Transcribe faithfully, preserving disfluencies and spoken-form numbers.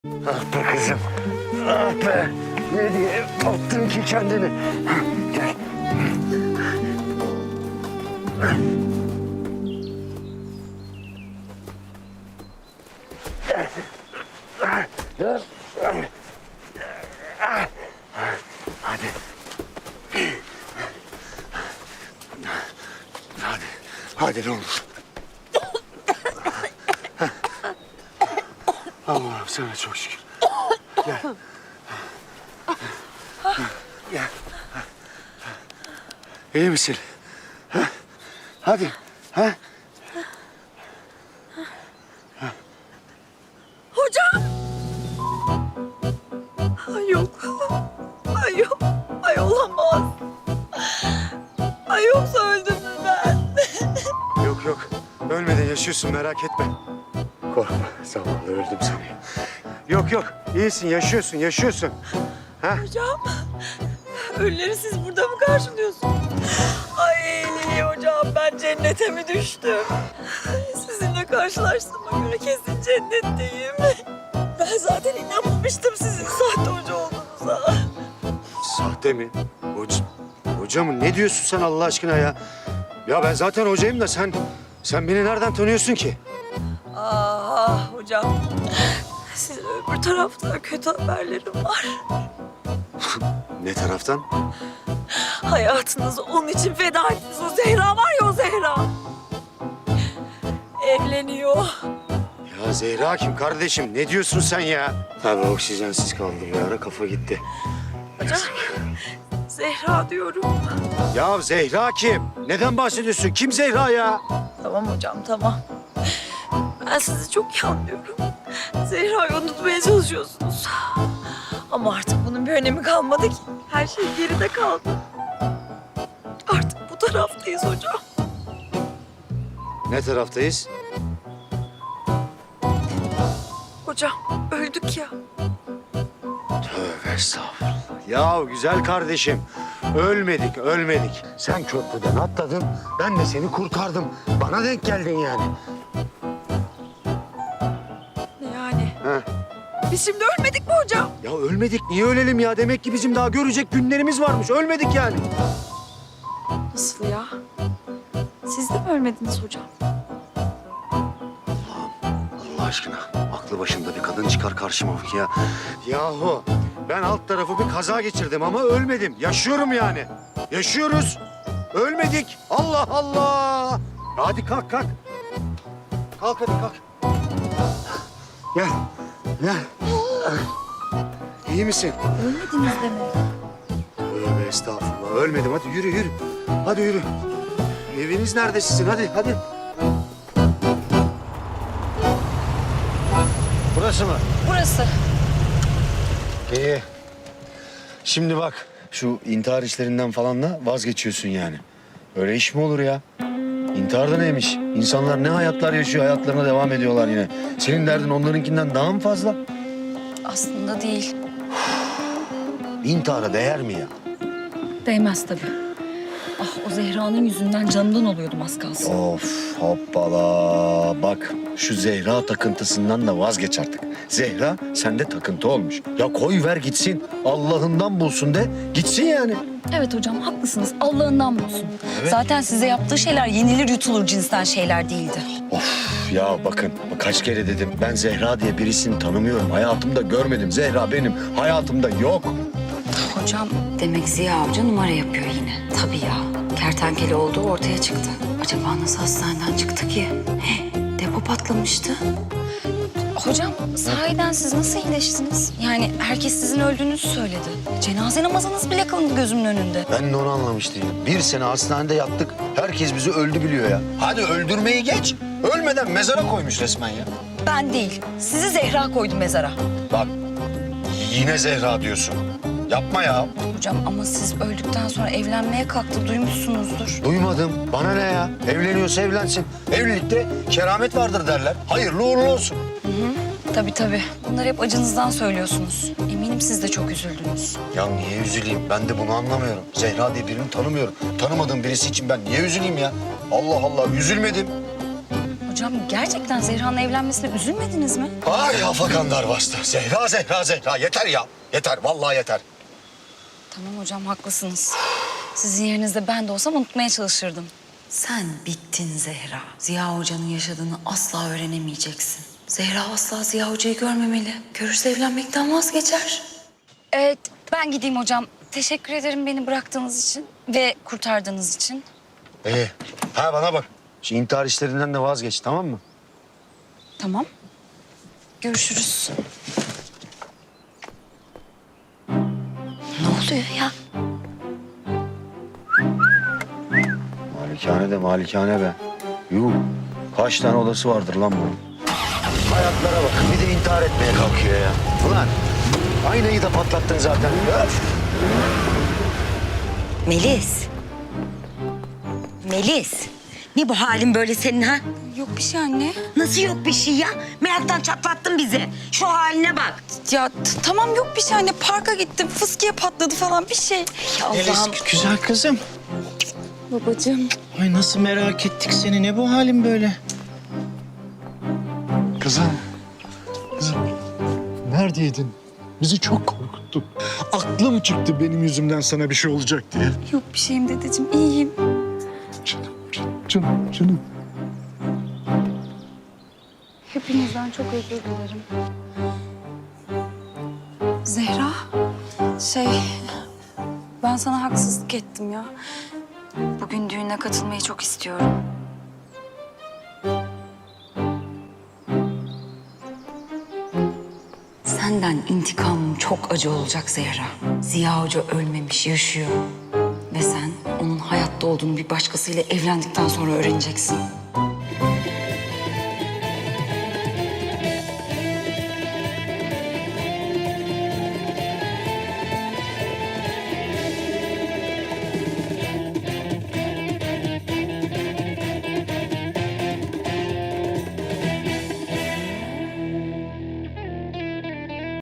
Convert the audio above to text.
Ah be kızım. Ah be. Ne diye attın ki kendini? Gel. Hadi. Hadi. Hadi ne olur. Allah'ım sana çok şükür. Gel. Gel. İyi misin? Ha? Hadi. Ha? Hocam! Ay yok. Ay yok. Ay olamaz. Ay yoksa öldüm mü ben? Yok yok. Ölmeden yaşıyorsun, merak etme. Korkma. Zavallı öldüm seni. Yok yok. İyisin, yaşıyorsun, yaşıyorsun. Ha? Hocam, ölüleri siz burada mı karşılıyorsunuz? Ay hocam, ben cennete mi düştüm? Sizinle karşılaştığıma göre kesin cennetteyim. Ben zaten inanmamıştım sizin sahte hoca olduğunuza. Sahte mi? Hoca, hoca mı? Ne diyorsun sen Allah aşkına ya? Ya ben zaten hocayım da sen... Sen beni nereden tanıyorsun ki? Ah hocam, sizin öbür tarafta kötü haberlerim var. Ne taraftan? Hayatınızı onun için feda ettiniz. O Zehra var ya, o Zehra. Evleniyor. Ya Zehra kim kardeşim? Ne diyorsun sen ya? Abi oksijensiz kaldım bir ara, kafa gitti. Hocam, Zehra diyorum. Ya Zehra kim? Neden bahsediyorsun? Kim Zehra ya? Tamam hocam, tamam. Ben sizi çok iyi anlıyorum. Zehra'yı unutmaya çalışıyorsunuz. Ama artık bunun bir önemi kalmadı ki. Her şey geride kaldı. Artık bu taraftayız hocam. Ne taraftayız? Hocam, öldük ya. Tövbe estağfurullah. Ya güzel kardeşim, ölmedik, ölmedik. Sen köprüden atladın, ben de seni kurtardım. Bana denk geldin yani. Ne yani? Ha. Biz şimdi ölmedik mi hocam? Ya ölmedik, niye ölelim ya? Demek ki bizim daha görecek günlerimiz varmış. Ölmedik yani. Nasıl ya? Siz de mi ölmediniz hocam? Allah aşkına, aklı başında bir kadın çıkar karşıma bak ya. Yahu, ben alt tarafı bir kaza geçirdim ama ölmedim. Yaşıyorum yani. Yaşıyoruz. Ölmedik. Allah Allah. Hadi kalk, kalk. Kalk hadi kalk. Gel, gel. İyi misin? Ölmediniz demek. Tövbe estağfurullah. Ölmedim. Hadi yürü, yürü. Hadi yürü. Eviniz nerede sizin? Hadi, hadi. Burası mı? Burası. İyi. Şimdi bak, şu intihar işlerinden falan da vazgeçiyorsun yani. Öyle iş mi olur ya? İntihar da neymiş? İnsanlar ne hayatlar yaşıyor, hayatlarına devam ediyorlar yine. Senin derdin onlarınkinden daha mı fazla? Aslında değil. İntihara değer mi ya? Değmez tabii. Ah, o Zehra'nın yüzünden canımdan oluyordum az kalsın. Of hoppala. Bak şu Zehra takıntısından da vazgeç artık. Zehra sende takıntı olmuş. Ya koy ver gitsin. Allah'ından bulsun de gitsin yani. Evet hocam, haklısınız. Allah'ından bulsun. Evet. Zaten size yaptığı şeyler yenilir yutulur cinsten şeyler değildi. Of ya bakın kaç kere dedim ben Zehra diye birisini tanımıyorum. Hayatımda görmedim. Zehra benim hayatımda yok. Hocam demek Ziya Avcı numara yapıyor yine. Tabii ya. Kertenkele olduğu ortaya çıktı. Acaba nasıl hastaneden çıktı ki? He, depo patlamıştı. Hocam, sahiden siz nasıl iyileştiniz? Yani herkes sizin öldüğünüzü söyledi. Cenaze namazınız bile kılındı gözümün önünde. Ben de onu anlamış değilim. Bir sene hastanede yattık. Herkes bizi öldü biliyor ya. Hadi öldürmeyi geç. Ölmeden mezara koymuş resmen ya. Ben değil, sizi Zehra koydu mezara. Bak yine Zehra diyorsun. Yapma ya. Hocam ama siz öldükten sonra evlenmeye kalktı, duymuşsunuzdur. Duymadım. Bana ne ya? Evleniyorsa evlensin. Evlilikte keramet vardır derler. Hayırlı uğurlu olsun. Tabii tabii. Bunları hep acınızdan söylüyorsunuz. Eminim siz de çok üzüldünüz. Ya niye üzüleyim? Ben de bunu anlamıyorum. Zehra diye birini tanımıyorum. Tanımadığım birisi için ben niye üzüleyim ya? Allah Allah üzülmedim. hocam gerçekten Zehra'nın evlenmesine üzülmediniz mi? Ay afakanlar bastı. Zehra, Zehra, Zehra. Yeter ya. Yeter, vallahi yeter. Tamam hocam haklısınız. Sizin yerinizde ben de olsam unutmaya çalışırdım. Sen bittin Zehra. Ziya Hoca'nın yaşadığını asla öğrenemeyeceksin. Zehra asla Ziya Hoca'yı görmemeli. Görürse evlenmekten vazgeçer. Evet ben gideyim hocam. Teşekkür ederim beni bıraktığınız için ve kurtardığınız için. İyi. Ha bana bak. Şu intihar işlerinden de vazgeç, tamam mı? Tamam. Görüşürüz. Ne oluyor ya? Malikane de malikane be. Yuh. Kaç tane odası vardır lan bunun? Hayatlara bak. Bir de intihar etmeye kalkıyor ya. Ulan aynayı da patlattın zaten. Öf. Melis. Melis. Ne bu halin böyle senin ha? Yok bir şey anne. Nasıl yok bir şey ya? Meraktan çatlattın bizi. Şu haline bak. Ya t- tamam yok bir şey anne. Parka gittim. Fıskiye patladı falan bir şey. Ya Melis, Allah'ım. güzel kızım. Babacığım. Ay nasıl merak ettik seni. Ne bu halin böyle? Kızım, kızım neredeydin? Bizi çok korkuttun. Aklım çıktı benim yüzümden sana bir şey olacak diye. Yok bir şeyim dedeciğim. İyiyim. Canım, canım, canım, canım. Hepinizden çok özür dilerim. Zehra. Şey... Ben sana haksızlık ettim ya. Bugün düğüne katılmayı çok istiyorum. Senden intikamım çok acı olacak Zehra. Ziya Hoca ölmemiş, yaşıyor. Ve sen onun hayatta olduğunu bir başkasıyla evlendikten sonra öğreneceksin.